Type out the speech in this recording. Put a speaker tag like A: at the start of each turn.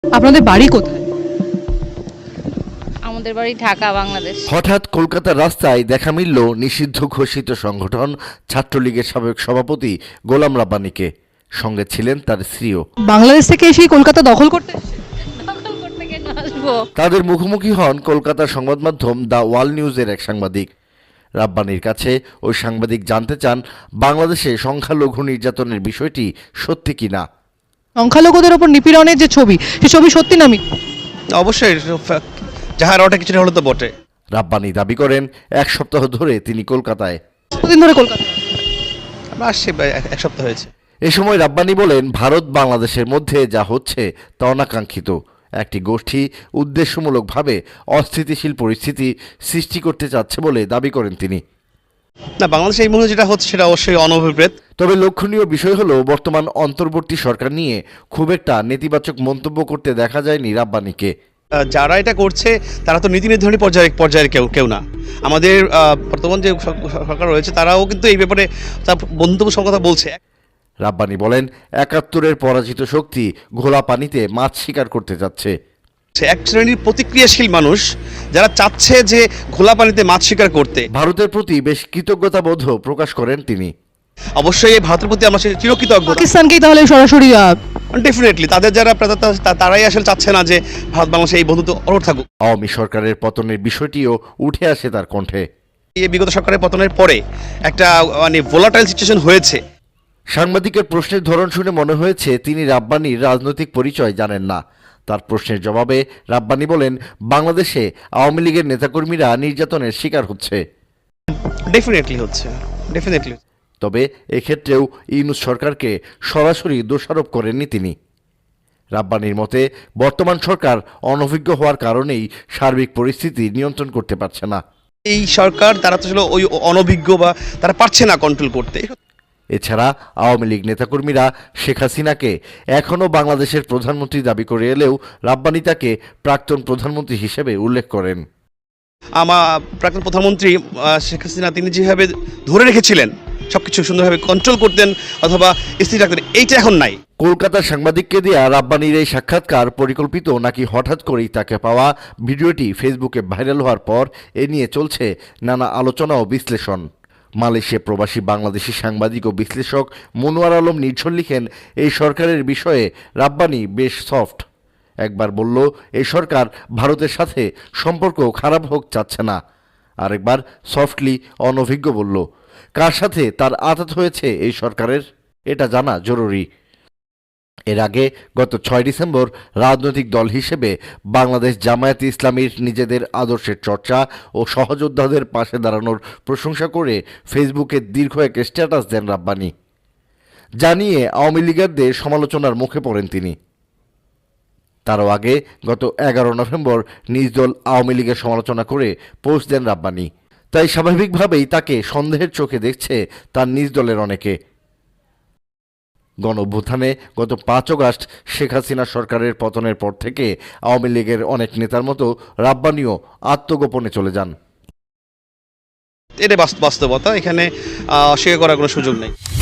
A: আপনাদের বাড়ি কোথায়?
B: আমাদের বাড়ি ঢাকা, বাংলাদেশ।
C: হঠাৎ কলকাতার রাস্তায় দেখা মিলল নিষিদ্ধ ঘোষিত সংগঠন ছাত্রলীগের সাবেক সভাপতি গোলাম রাব্বানীকে। সঙ্গে ছিলেন তার স্ত্রীও।
A: বাংলাদেশ থেকে এসে কলকাতা দখল করতে এসেছে?
B: দখল করতে কেন আসবো?
C: তাদের মুখোমুখি হন কলকাতার সংবাদ মাধ্যম দ্য ওয়াল নিউজের এক সাংবাদিক। রাব্বানীর কাছে ওই সাংবাদিক জানতে চান বাংলাদেশে সংখ্যালঘু নির্যাতনের বিষয়টি সত্যি কিনা।
A: সংখ্যালঘুদের ওপর নিপীড়নের যে ছবি, সে ছবি সত্যি না মিথ্যা?
D: অবশ্যই যাহার ওটা কিছুটা হলো তো বটে।
C: রাব্বানী দাবি করেন 1 সপ্তাহ ধরে তিনি কলকাতায়।
A: কতদিন ধরে কলকাতায়?
D: আমরা আসছি এক সপ্তাহ হয়েছে।
C: এ সময় রাব্বানী বলেন ভারত বাংলাদেশের মধ্যে যা হচ্ছে তা অনাকাঙ্ক্ষিত। একটি গোষ্ঠী উদ্দেশ্যমূলকভাবে অস্থিতিশীল পরিস্থিতি সৃষ্টি করতে চাচ্ছে বলে দাবি করেন তিনি।
D: না, বাংলাদেশে এই মুহূর্তে যেটা হচ্ছে সেটা অবশ্যই অনভিপ্রেত।
C: তবে লক্ষণীয় বিষয় হলো বর্তমান অন্তর্বর্তী সরকার নিয়ে খুব একটা নেতিবাচক মন্তব্য করতে দেখা যায়নি রাব্বানীকে।
D: যারা এটা করছে তারা তো নীতি নির্ধারণী পর্যায়ের কেউ না। আমাদের বর্তমান যে সরকার রয়েছে তারাও কিন্তু এই ব্যাপারে তার বন্ধুত্ব সব কথা বলছে।
C: রাব্বানী বলেন ৭১-এর পরাজিত শক্তি ঘোলা পানিতে মাছ শিকার করতে যাচ্ছে।
D: এক শ্রেণীর প্রতিক্রিয়াশীল মানুষ যারা চাচ্ছে যে ঘোলা পানিতে মাছ শিকার করতে।
C: ভারতের প্রতি বেশ কৃতজ্ঞতাবোধ প্রকাশ করেন তিনি।
D: অবশ্যই এই ভারতের প্রতি আমরা চিরকৃতজ্ঞ।
A: পাকিস্তানকেই তাহলে সরাসরি
D: ডেফিনেটলি তাদের যারা তারাই আসলে চাচ্ছে না যে ভারত বাংলাদেশে এই বন্ধুত্ব অটুট থাকুক।
C: আওয়ামী সরকারের পতনের বিষয়টিও উঠে আসে তার কণ্ঠে।
D: এই বিগত সরকারের পতনের পরে একটা ভোলাটাইল সিচুয়েশন হয়েছে।
C: সাংবাদিকের প্রশ্নের ধরন শুনে মনে হয়েছে তিনি রাব্বানীর রাজনৈতিক পরিচয় জানেন না। তার প্রশ্নের জবাবে রাব্বানী বলেন বাংলাদেশে আওয়ামী লীগের নেতাকর্মীরা নির্যাতনের শিকার হচ্ছে।
D: ডেফিনেটলি হচ্ছে।
C: তবে এক্ষেত্রেও ইউনূস সরকারকে সরাসরি দোষারোপ করেননি তিনি। রাব্বানীর মতে বর্তমান সরকার অনভিজ্ঞ হওয়ার কারণেই সার্বিক পরিস্থিতি নিয়ন্ত্রণ করতে পারছে না।
D: এই সরকার তারা তো আসলে ওই অনভিজ্ঞ বা তারা পারছে না কন্ট্রোল করতে।
C: এছাড়া আওয়ামী লীগ নেতাকর্মীরা শেখ হাসিনাকে এখনও বাংলাদেশের প্রধানমন্ত্রী দাবি করে এলেও রাব্বানী তাকে প্রাক্তন প্রধানমন্ত্রী হিসেবে উল্লেখ করেন।
D: আমার প্রাক্তন প্রধানমন্ত্রী শেখ হাসিনা তিনি যেভাবে ধরে রেখেছিলেন সবকিছু সুন্দরভাবে কন্ট্রোল করতেন অথবা স্থির রাখতেন, এইটা এখন নাই।
C: কলকাতার সাংবাদিককে দেয়া রাব্বানীর এই সাক্ষাৎকার পরিকল্পিত নাকি হঠাৎ করেই তাকে পাওয়া ভিডিওটি ফেসবুকে ভাইরাল হওয়ার পর এ নিয়ে চলছে নানা আলোচনা ও বিশ্লেষণ। মালয়েশিয়া প্রবাসী বাংলাদেশি সাংবাদিক ও বিশ্লেষক মনোয়ার আলম নির্ঝর লিখেন এই সরকারের বিষয়ে রাব্বানী বেশ সফট। একবার বলল এই সরকার ভারতের সাথে সম্পর্ক খারাপ হোক চাচ্ছে না, আরেকবার সফটলি অনভিজ্ঞ বলল। কার সাথে তার আঘাত হয়েছে এই সরকারের এটা জানা জরুরি। এর আগে গত 6 ডিসেম্বর রাজনৈতিক দল হিসেবে বাংলাদেশ জামায়াতে ইসলামীর নিজেদের আদর্শের চর্চা ও সহযোদ্ধাদের পাশে দাঁড়ানোর প্রশংসা করে ফেসবুকে দীর্ঘ এক স্ট্যাটাস দেন রাব্বানী। জানিয়ে আওয়ামী লীগারদের সমালোচনার মুখে পড়েন তিনি। তারও আগে গত 11 নভেম্বর নিজ দল আওয়ামী লীগের সমালোচনা করে পোস্ট দেন রাব্বানী। তাই স্বাভাবিকভাবেই তাকে সন্দেহের চোখে দেখছে তার নিজ দলের অনেকে। গণঅভ্যুত্থানে গত 5 আগস্ট শেখ হাসিনা সরকারের পতনের পর থেকে আওয়ামী লীগের অনেক নেতার মতো রাব্বানীও আত্মগোপনে চলে যান।
D: এটা বাস্তবতা, এখানে অস্বীকার করার কোনো সুযোগ নেই।